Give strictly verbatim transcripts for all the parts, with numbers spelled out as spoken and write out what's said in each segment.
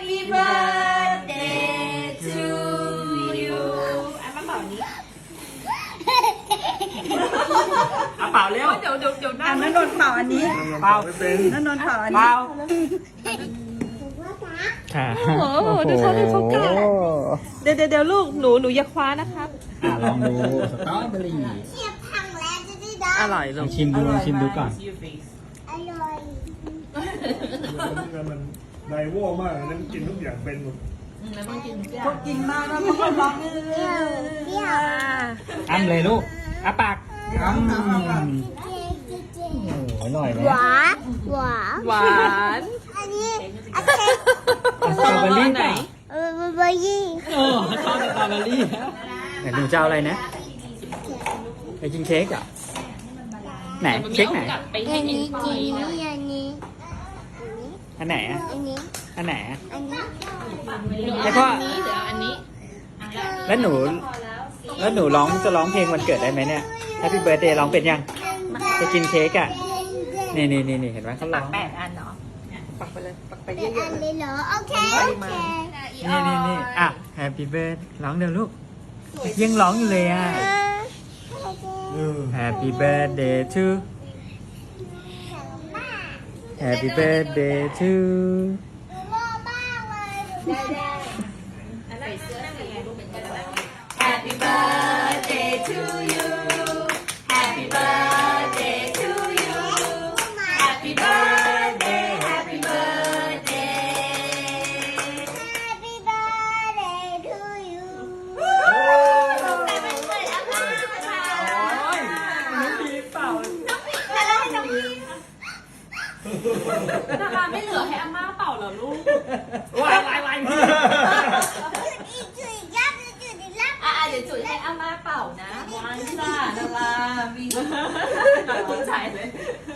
Happy birthday to you อ่ะมาเป่านี้เอาเป่าเร็วเดี๋ยวเดี๋ยวเดี๋ยวหน้าอ่ะนั่นนนท์เป่าอันนี้เป่านั่นนนท์เป่าอันนี้เป่าค่ะโอ้โหดูเขาเลยเขากล้าเดี๋ยวเดี๋ยวเดี๋ยวลูกหนูหนูอย่าคว้านะครับอ่ะลองดูสตรอเบอรี่อร่อยลองชิมดูลองชิมดูก่อนมันไดโว่มากเลยนั่นกินทุกอย่างเป็นหมดพวกกินมากแล้วมันก็ร้องเอออ้ำเลยลูกอ้าปากอ้ำโอ้โหอร่อยนะหวานหวานหวานอันนี้อันนี้สตรอเบอรี่ไหนเออเบอร์เบอร์ยี่โอ้ชอบสตรอเบอรี่แล้วไหนหนูจะเอาอะไรนะไปกินเค้กเหรอไหนเค้กไหนไปให้อันกินนี้ฟอัอน ยนี้นะอันนี้อันไหนอ่ะอันนี้อันไหนอ่ะอันนี้แล้วก็อันนี้เดี๋ยวอันนี้แล้วหนูแล้วหนูร้องจะร้องเพลงวันเกิดได้ไหมเนี่ย Happy Birthday ร้องเป็นยังจะกินเค้กอ่ะนี่นี่นี่นี่เห็นไหมเขาร้องแปดอันเนาะปักไปเลยปักไปเป็เยนอะอันๆเลยเลยเหรอโอเคโอเคนี่นี่นี่อ่ะ Happy Birthday ร้องเดี๋ยวลูกยังร้องอยู่เลยอ่ะ Happy Birthday to Happy Birthday to Happy birthday to you Happy birthday to you Happy birthday Happy birthday Happy birthday to you แต่มันเหมือนอาม่าค่ะโอ้ยน้องพีเป่าแล้วให้น้องพีดาราไม่เหลือให้อาม่าเป่าเหรอลูกวายวายวายจุดอีกจุดอีกยับจุดอีกยับอ่ะเดี๋ยวจุดให้อาม่าเป่านะวันจ้าดารามีตุ้งใจเลย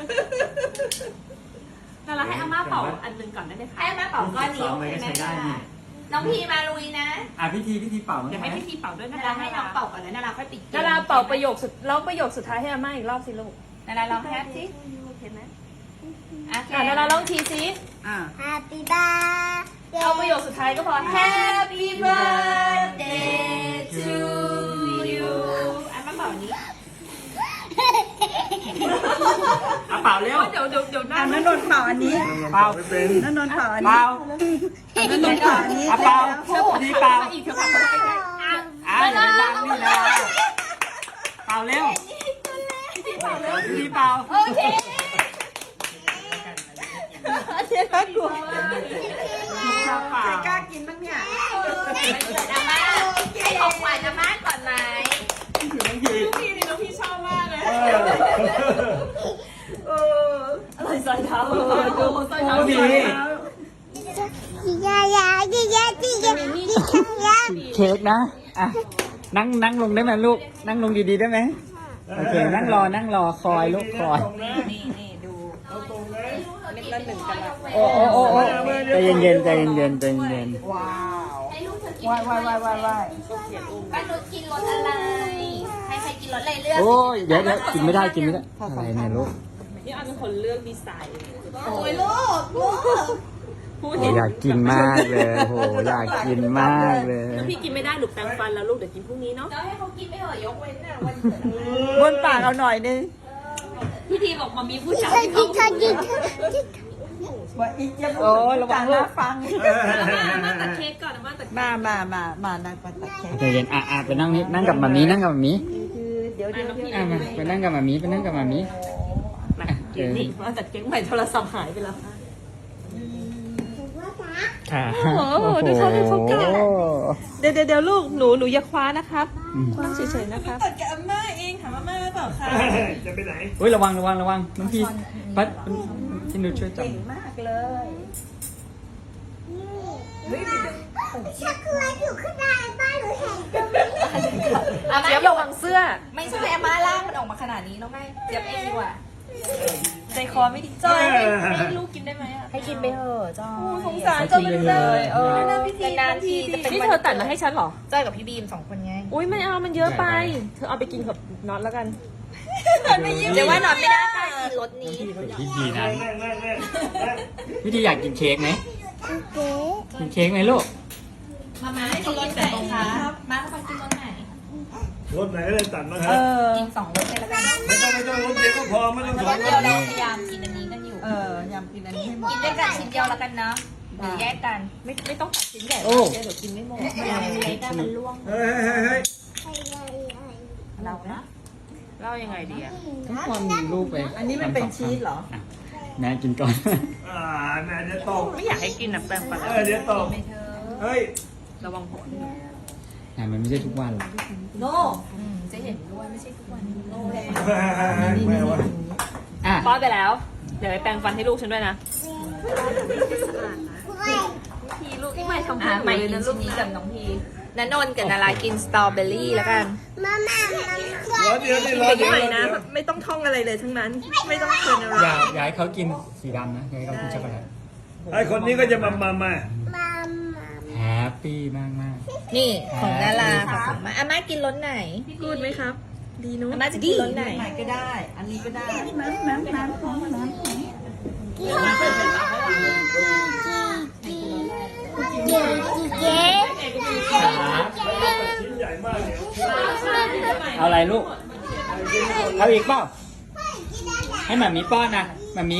ดาราให้อาม่าเป่าอันหนึ่งก่อนได้ไหมคะให้อาม่าเป่าก้อนนี้สองเลยก็ใช้ได้นี่น้องพีมาลุยนะอ่ะพิธีพิธีเป่าเดี๋ยวให้พี่ทีเป่าด้วยนะดาราให้น้องเป่าก่อนนะดาราค่อยปิดดาราเป่าประโยคสุดร้องประโยคสุดท้ายให้อาม่าอีกรอบสิลูกดาราลองแฮปสิเห็นไหมโอเคอ่ะดาราร้องทีสิอ่ะ Happy birthday เอาประโยคสุดท้ายก็พอ Happy birthday to you อ่ะมาเป่านี้อ่ะเป่าเร็วเดี๋ยวเดี๋ยวเดี๋ยวหน้าอ่ะนั่นนนท์เป่าอันนี้เป่าไม่เป็นนั่นนนท์เป่าอันนี้เป่าอ่ะนั่นนนท์เป่าอันนี้อ่ะเป่าพิธีเป่าอีกเถอะค่ะเพราะว่าใกล้ๆอ่ะอ่ะอย่าไปบังนี่นะเป่าเร็วพิธีเป่าเร็วพิธีเป่าโอเคเจ๊น่ากลัวเป่าใครกล้ากินบ้างเนี่ยเกิดอาม่าให้ของขวัญอาม่าก่อนไหมพี่นี่น้องพี่ชอบมากเลยเอออะไรใส่เท้าเออดูใส่เท้าดีจียายาจียาจียาจียาเค้กนะอ่ะนั่งนั่งลงได้ไหมลูก นั่งลงดีๆได้ไหมโอเค นั่งรอ นั่งรอ คอยลูกคอยนี่นี่ดูเม็ดละหนึ่งกันละโอ้โอ้โอ้โอ้ใจเย็นเย็นๆใจเย็นเย็นๆใจเย็นว้าวให้ลูกเธอกินวายวายวายวายวายป้านุชกินรสอะไรให้ใครกินรสอะไรเลือกๆโอ้ยเดี๋ยวเดี๋ยวกินไม่ได้กินไม่ได้อะไรเนี่ยลูกนี่อันเป็นคนเลือกดีไซน์โอ้ยลูกลูกพูดโอ้เห็นอยากกินมากเลยโหอยากกินมากเลยถ้าพี่กินไม่ได้หนูแปรงฟันแล้วลูกเดี๋ยวกินพรุ่งนี้เนาะเดี๋ยวให้เขากินไม่เหอะยกเว้นน่ะวันเกิดบนปากเอาหน่อยนึงพี่ทีบอกมามีผู้ชายจีที่จีเขาจีจีว่าอีกจะพูดระวังนะฟังอาม่าตัดเค้กก่อนอาม่าตัดมามามามานั่งปัดตัดเค้กใจเย็นอ่ะอ่ะไปนั่งนี่นั่งกับหมามีนั่งกับหมามีคือเดี๋ยวเดี๋ยวเดี๋ยวอ่ะมาไปนั่งกับหมามีไปนั่งกับหมามีมากินนี่มาตัดเค้กใหม่โทรศัพท์หายไปแล้วค่ะโอ้โหดูเขาเลยเขากล้า เดี๋ยวเดี๋ยวเดี๋ยวลูกหนูหนูอย่าคว้านะครับอืมนั่งเฉยๆนะครับตัดกับอาม่าเองถามอาม่าเปล่าคะจะไปไหนอุ้ยระวังระวังระวังน้องพี่พัดพี่หนูช่วยจับเก่งมากเลยชักคืออยู่ข้างในบ้านหรือเห็นตรงนี้อาม่าเจี๊ยบระวังเสื้อไม่ใช่อาม่าล่างมันออกมาขนาดนี้แล้วไงเจี๊ยบเองดีกว่าใจคอไม่ดีจอยให้ให้ลูกกินได้ไหมอ่ะให้กินไปเถอะจอยสงสารจอยเลยเออนานๆทีจะเป็นนี่เธอตัดมาให้ฉันเหรอจอยกับพี่บีมสองคนไงอุ้ยไม่เอามันเยอะไป เธอเอาไปกินกับน็อตแล้วกันเดี๋ยวว่านอนไม่ได้ป้ากินรสนี้พี่ดีนะนั่งนั่งนั่งนั่งพี่ดีอยากกินเค้กไหมเก๋จกินเค้กไหมลูกมามาให้กินรสไหนคะมาให้เขากินรสไหนรถไหนก็ได้ตัดนะคเอรับอกินสองรสเลยแล้วกันไม่ต้องไม่ต้องรถเดียวก็พอไม่ต้องสรองสรเดียวถเราพยายามกินอันนี้กันอยู่เออยำกินอันนี้ให้หมดกินด้วยกันชิ้นเดียวแล้วกันเนาะหรือแยกกันไม่ไม่ต้องตัดชิ้นใหญ่โอ้เดี๋ยวกินไม่หมดไม่เอาเล็กๆมันล่วงเฮ้ยเฮ้ยเฮ้ยเรานะเล่ายังไงดีอะทุกคนมีลูกไปอันนี้มันเป็นชีสเหรอะแม่กินก่อนอ่าแม่เดี๋ยวตกไม่อยากให้กินอะแปลงฟันเออเดี๋ยวตกไม่เธอเฮ้ยระวังหัวแต่มันไม่ใช่ทุกวันหรอกโน่อืมจะเห็นด้วยไม่ใใช่ทุกวันโน่เลยแม่วะอ่ะป้อนไปแล้ว เดี๋ยวไปแปรงฟันให้ลูกฉันด้วยนะพี่ลูกไม่ทำอ่ะให้ใหม่เลยกินนะลูชิ้กนนี้นะกับน้องพีนันนนท์กับนารากินสตรอเบอรี่แล้วกันมาม่ารอเดี๋ยวนี่รอเด็กเดี๋ยวใหม่รอนะเดี๋ยวไม่ต้องท่องอะไรเลยทั้งนั้น ไม่ต้องเชิญอะไรอย่าอย่าให้เขากินสีดำนะอย่าให้เขากินช็อกโกแลตไอ้คนนี้ก็จะมามามามามาแฮปปี้มากมากนี่ของนาราค่ะของมาอาม่ากินรสไหนกูดไหมครับ ดีนู้นอาม่าจะกินรสไหนไหนก็ได้ อันนี้ก็ได้น้ำน้ำน้ำของน้ำของเก๋เก๋ครับชิ้นใหญ่มากเนี่ยเอาอะไรลูก เอาอีกเปล่า ให้หมามีป้อนนะหมามี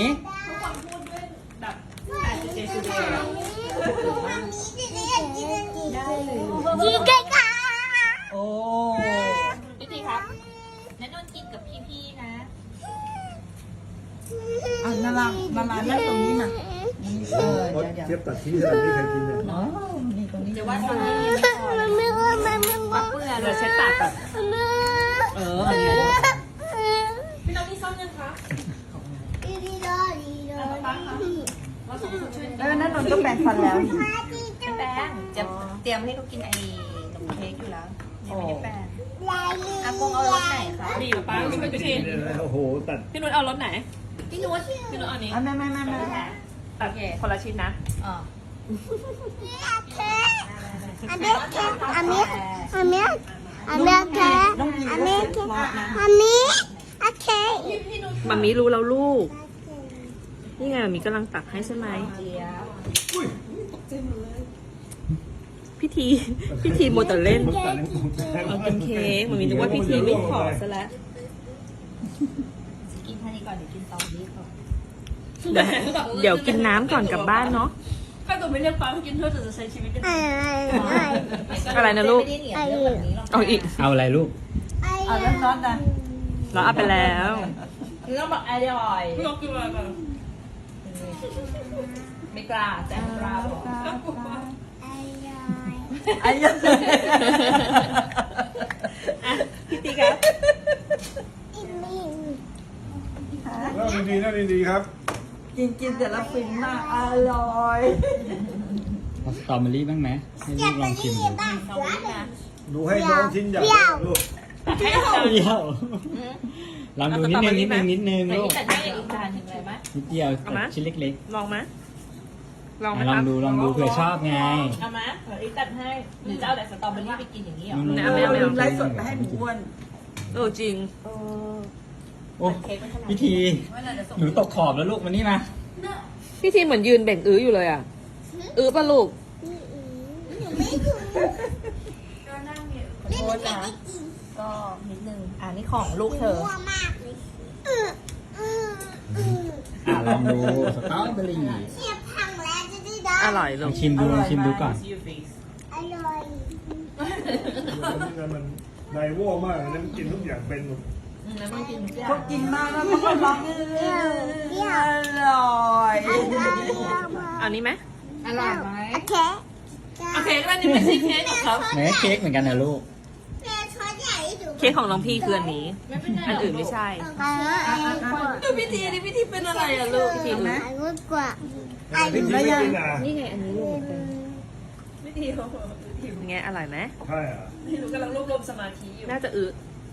จีเก๋ค่ะโอ้พี่พีครับนันนนท์กินกับพี่ๆนะอันนารานารานั่งตรงนี้มาเออรถเดี๋ยวเทียบตัดที่ขนาดนี้ใครกินเนี่ยอ๋อนี่ตรงนี้เดี๋ยวว่าตอนนี้ไม่พอมันไม่ว่ามันไม่ว่าเปื่อนเดี๋ยวเช็ดปากก่อนเอออันนี้พี่น้องนี่ซ่อมยังคะดีดีดอดีดอเออนั่นนนท์ก็แปรงฟันแล้วนี่ไม่แป้งจะเตรียมให้เขากินไอ้ขนมเค้กอยู่แล้วยังไม่ได้แป้งอากงเอารสไหนคะนี่ป้าช่วยพี่ทีโอ้โหตัดพี่นุชเอารสไหนพี่นุชพี่นุชเอาอันนี้อ่ะไม่ไม่ไม่ไม่ตัดคนละชิ้นนะอ๋ออันนี้อันนี้อันนี้อันนี้แค่น้องพีอันก็นี้เสร็จเพราะนะอันนี้โอเคมามีรู้แล้วลูก นี่ไงมามีกำลังตักให้ใช่ไหมเจี๊ยบอุ้ยพี่ทีพี่ทีโมวแต่เล่นมันตัดให้ผมแทงเอากินเค้กมามีนึกว่าพี่ทีไม่ขอซะแล้วกินแค่นี้ก่อนเดี๋ยวกินตอนนี้ก่อนเดี๋ยวเดี๋ยวกินน้ำก่อนกลับบ้านเนาะอะไรอะไรอะไรนะลูกไม่ได้เหนียวเยอะแบบนี้หรอกเอาอีกเอาอะไรลูกเอาแล้วน็อตนะเราเอาไปแล้วคือต้องบอกอร่อยไม่กล้าแต่ไม่กล้าบอกไอ้ยังพี่ทีครับแล้วดีๆนะดีๆครับกินกินแต่ละฟินมากอร่อยเอาสตรอเบอรี่บ้างไหมให้ลูกลองชิมดูดูให้น้องชิ้นใหญ่ลูกเปรี้ยวลองดูนิดนึงนิดนึงนิดนึงไหนลูกที่จัดให้อีกจานหนึ่งเลยไหมนิดเดียวชิ้นเล็กลองไหมลองๆไหมอ่ะลคอรังบดูลองดูเผื่อชอบไงเอามาเดี๋ยวอีกตัดให้หรือจะเอาแต่สตรอเบอรี่ไปกินอย่างนี้เหรอไม่เอาไม่เอาไม่เอาไลฟ์สดไปให้หมูอ้วนเออจริงโอ้พิธีหนูตกขอบแล้วลูกมานี่มาพี่ทีเหมือนยืนเบ่งอื้ออยู่เลยอ่ะ อื้อปะลูกโทษนะก็นิดนึงอ่านี่ของลูกเธอมากเลยอ่ะลองดูสตรอเบอรี่เสียบพังแล้วจะได้ได้อร่อยลลูองกชิมดูลองชิมดูก่อนอร่อยมันไดโว่มากเลยนะกินทุกอย่างเป็นหมดแล้วมันกินทุกอย่าเขางกินมากแล้วเขาก็ร้องอร่อยเอานี้ไหมอร่อยไหมโอเคโอเคก็นี่ไม่ใช่เค้กของเขาไหนเค้กเหมือนกันนะลูกแม่ช้อนใหญ่ดูเค้กของน้องพี่คืออันนี้ อันอื่นไม่ใช่อ่าอันนี้กว่าดูพี่ทีนี่พี่ทีเป็นอะไรอ่ะลูกพี่ทีเอาไหมอันนี้กว่าพิธีไม่กินอ่ะนี่ไงอันนี้ลูกพี่ทีเป็นไงอร่อยไหมใช่อ่ะน่าจะอื้อ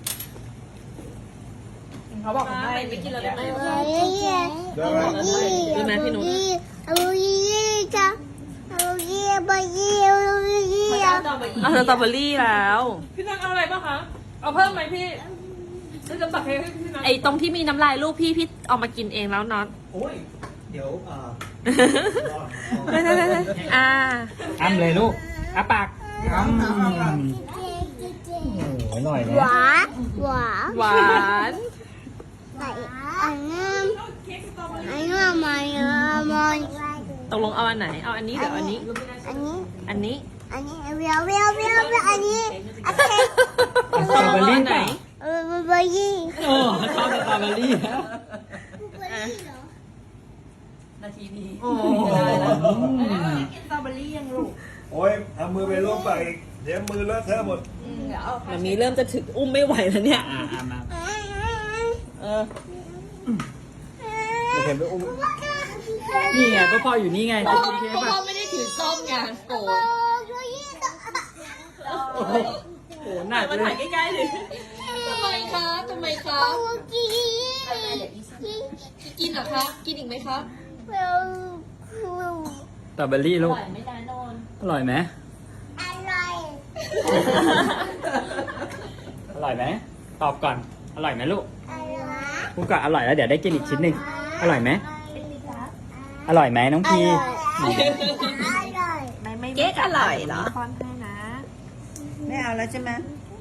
เขาบอกว่าไม่ไม่กินแล้วได้ไหมอร่อยเยอะได้ไหมดูไหมพี่นุชอร่อยเยอะจ้ะอร่อยเยอะอร่อยเยอะอร่อยเยอะเอาสตรอเบอรี่แล้วพี่นังเอาอะไรบ้างคะ เอาเพิ่มไหมพี่จะจะตักให้พี่นังไอ้ตรงที่มีน้ำลายลูกพี่พี่เอามากินเองแล้วน็อตโอ้ย เดี๋ยวเอ่อได้ได้ได้อ่าอ้ำเลยลูกอ้าปากอ้ำโอ้โหอร่อยหนะวานหวานหวานใส่อันนี้อันนี้มาเยอะมาตกลงเอาอันไหน เอาอันนี้หรือเอาอันนี้อันนี้อันนี้อันนี้เวียวเวียวเวียวเวียวอันนี้โอเคสตรอเบอรี่ไหนเออเบอร์เบอร์ยี่โอ้ชอบสตรอเบอรี่แล้วนาทีนี้โอ้สตรอเบอรี่ยังลูกโอ้ยเอามือไปลวกปากอีกเดี๋ยวมือเลอะเทอะหมดเดี๋ยวเอามันมีเริ่มจะถึงอุ้มไม่ไหวแล้วเนี่ยอ่าอ่ามาเออเดี๋ยวเห็นไปอุ้มนี่ไงก็พ่ออยู่นี่ไงจะกินเค้กป่ะพ่อไม่ได้ถือส้มไงโกรธโอ้โหโหหนักมาเลถ่ายยใกล้ๆเลยทำไมคะทำไมคะกินกินเหรอคะ กินอีกไหมคะเวียวสตรอเบอรี่ลูกไม่ได้นอนอร่อยไหมอร่อยอร่อยไหมตอบก่อนอร่อยไหมลูกอร่อยพูดก่อนอร่อยแล้วเดี๋ยวได้กินอีกชิ้นหนึ่งอร่อยไหมอร่อยไหมน้องพีอร่อยไม่ไม่เค้กอร่อยเหรอป้อนให้นะไม่เอาแล้วใช่ไหม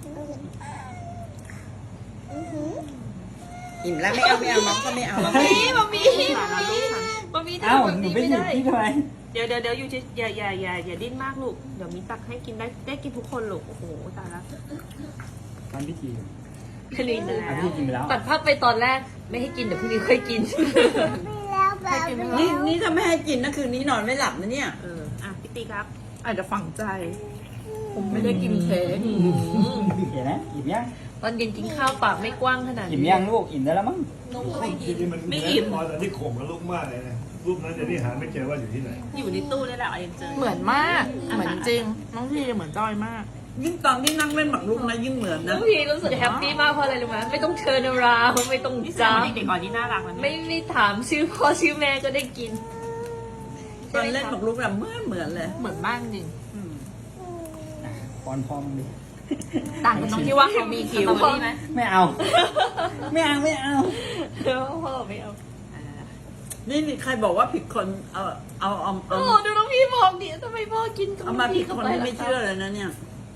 อิ่มแล้วไม่เอาไม่เอาน้องก็ไม่เอาแล้วนี่มามีมามีมามีเอ้าทำแบบหนูนี้ไปไม่หยิบได้ที่ทำไมเดี๋ยวเดี๋ยวเดี๋ยวอยู่เฉยอย่าอย่าอย่าอย่าดิ้นมากลูก เดี๋ยวมีตักให้กินได้ได้กินทุกคนลูก โอ้โหตายละตอนพิธีคลีนแล้อ่ะวพี่กินไปแล้วตัดภาพไปตอนแรกไม่ให้กินเดี๋ยวพรุ่งนี้ค่อยกินไม่แล้วแบบนี่นี่ถ้าไม่ให้กินนะคืนนี้นอนไม่หลับนะเนี่ยเออ อ่ะพี่ตีครับอาจจะฝังใจ ผมไม่ได้กินเค้กเห็นไหมอิ่มยังตอนเย็นกินข้าวปากไม่กว้างขนาดอิ่มนี้ยังลูกอิ่มได้แล้วมั้งจริงๆมันไม่อิ่มตอนที่ข่มกับลูกมากเลยนะรูปนั้นเดี๋ยวนี้หาไม่เจอว่าอยู่ที่ไหนอยู่ในตู้นี่แหละเอาเองเจอเหมือนมาก เหมือนจริง น้องพี่เหมือนจอยมากยิ่งตอนที่นั่งเล่นหมากรุกนะยิ่งเหมือนน้นะองพีรู้สึกแฮปปี้มากเพราะอะไรรู้ไหมไม่ต้องเชิญราวไม่ต้องนี่จ้าเด็กๆอ่อนนี่น่ารักนะไม่ไม่ถามชื่อพ่อชื่อแม่ก็ได้กินตอนเล่นหมากรุกแบบเหมือนเหมือนเลยเหมือนมากจริงอ่ะป้อนพ่อมึงดิต่างกันตรงที่ว่าเขามีคิวสตรอเบอรี่ไหมไม่เอา ไม่เอาไม่เอาเออพ่อไม่เอานี่นี่ใครบอกว่าผิดคนเอาเอาเอาโอ้เอาดูน้องพี่บอกดิทำไมพ่อกินของเอามาผิพี่ดเข้าคนไปที่ล่ะไม่เชื่อเลยนะเนี่ย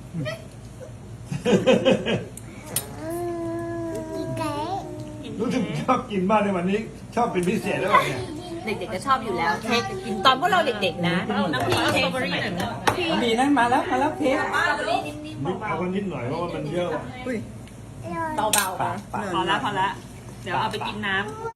กินไก่รู้สึกชอบกินมากในวันนี้ ชอบเป็นพิเศษแล้วเนี่ยเด็กๆก็ชอบอยู่แล้วเค้กตอนพวกเราเด็กๆนะน้ำพี่เค้กสมัยนั้นมีนั่นมาแล้วมาแล้วเค้กนิดเอากันนิดหน่อยเพราะว่ามันเยอะว่ะเบาๆปากปากพอละพอละเดี๋ยวเอาไปกินน้ำ